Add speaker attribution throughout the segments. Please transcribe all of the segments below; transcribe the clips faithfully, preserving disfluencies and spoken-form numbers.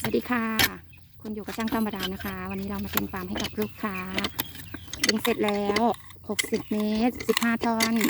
Speaker 1: สวัสดีค่ะคุณอยู่กับช่างธรรมดานะคะ วันนี้เรามาเต็มปาล์มให้กับลูกค้าดึงเสร็จแล้วหกสิบเมตรสิบห้าท่อน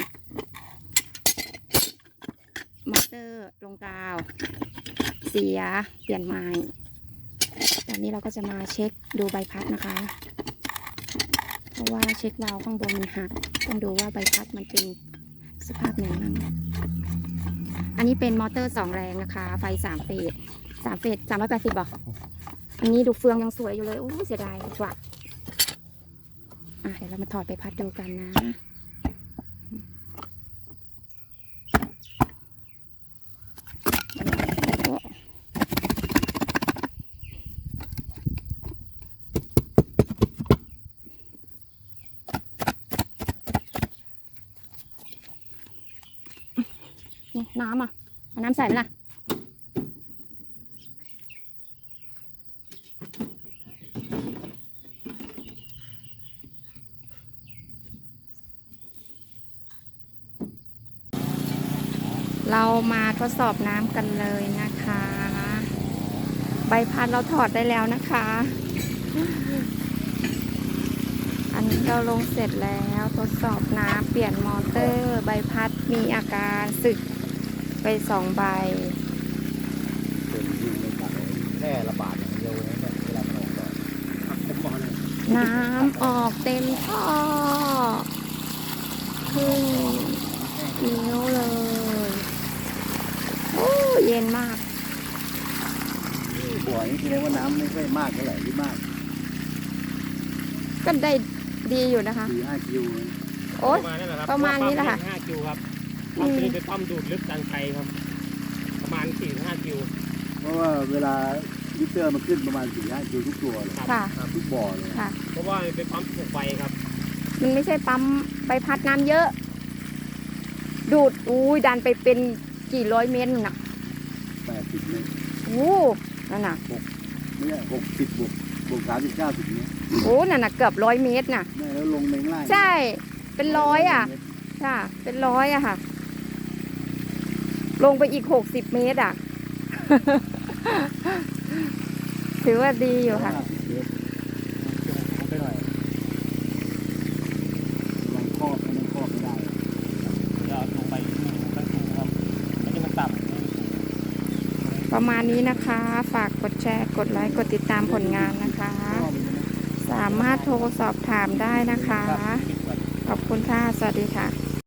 Speaker 1: มอเตอร์ลงกาวเสียเปลี่ยนใหม่ตอนนี้เราก็จะมาเช็คดูใบพัดนะคะ เพราะว่าเช็ควาล์วข้างบนมันหักต้องดูว่าใบพัดมันเป็นสภาพไหนบ้างอันนี้เป็นมอเตอร์สองแรงนะคะไฟสามเฟสสามเฟสสามร้อยแปดสิบบอกอันนี้ดูเฟืองยังสวยอยู่เลยโอ้เสียดายกว่าอ่ะเดี๋ยวเรามาถอดไปพัดดูกันนะนี่น้ำอ่ะเอาน้ำใส่ไหมล่ะเรามาทดสอบน้ำกันเลยนะคะใบพัดเราถอดได้แล้วนะคะอันนี้เราลงเสร็จแล้วทดสอบน้ำเปลี่ยนมอเตอร์ใบพัดมีอาการสึกไปสองใบ
Speaker 2: เป็นยิงในปากแค่ระบาดอย่างเดียวนะเนี่ยเวลามันออกก่อนผมบอกเลย
Speaker 1: น้ำออกเต็มท่อครึ่งนิ้วเลยโอ้เย็นมาก
Speaker 2: บ่อนี้แสดงว่าน้ำไม่ค่อยมากเท่าไหร่หรือมาก
Speaker 1: ก็ได้ดีอยู่นะคะ
Speaker 2: สี่ห้าคิว
Speaker 1: โอ้ยประมาณนี้แหละค่ะ
Speaker 3: ห้าคิวครับปั๊มตัวนี้เป็นปั๊มดูดลึกดันไกลครับประมาณสี่ห้าคิว
Speaker 2: เพราะว่าเวลาลิเตอร์มันขึ้นประมาณสี่ห้าคิวทุกตัวเลย
Speaker 1: ค่ะ
Speaker 2: ทุกบ่อเลย
Speaker 1: ค่ะ
Speaker 3: เพราะว่ามันเป็นปั๊มถูกไฟครับ
Speaker 1: มันไม่ใช่ปั๊มใบพัดน้ำเยอะดูดอุ้ยดันไปเป็นกี่ร้อยเมตรน่ะ
Speaker 2: แปดสิบเมตร
Speaker 1: โอ้นั่นน่ะ
Speaker 2: หกไม่ใช่หกสิบบวกบวกสามสิบเก้าสิบเมตร
Speaker 1: โอ้นั่นน่ะเกือบร้อยเมตรน่ะ
Speaker 2: แม่แล้วลงในล่าง
Speaker 1: ใช่เป็นร้อยอ่ะค่ะเป็นร้อยอะค่ะลงไปอีกหกสิบเมตรอ่ะ ถือว่าดีอยู่ค่ะ
Speaker 2: ไปหน่อยมันครอบมันครอบไม่ได้
Speaker 3: เดี๋ยวลงไปตั้งสูงครับไม่ใช่มันต่
Speaker 1: ำประมาณนี้นะคะฝากกดแชร์กดไลค์กดติดตามผลงานนะคะสามารถโทรสอบถามได้นะคะขอบคุณค่ะสวัสดีค่ะ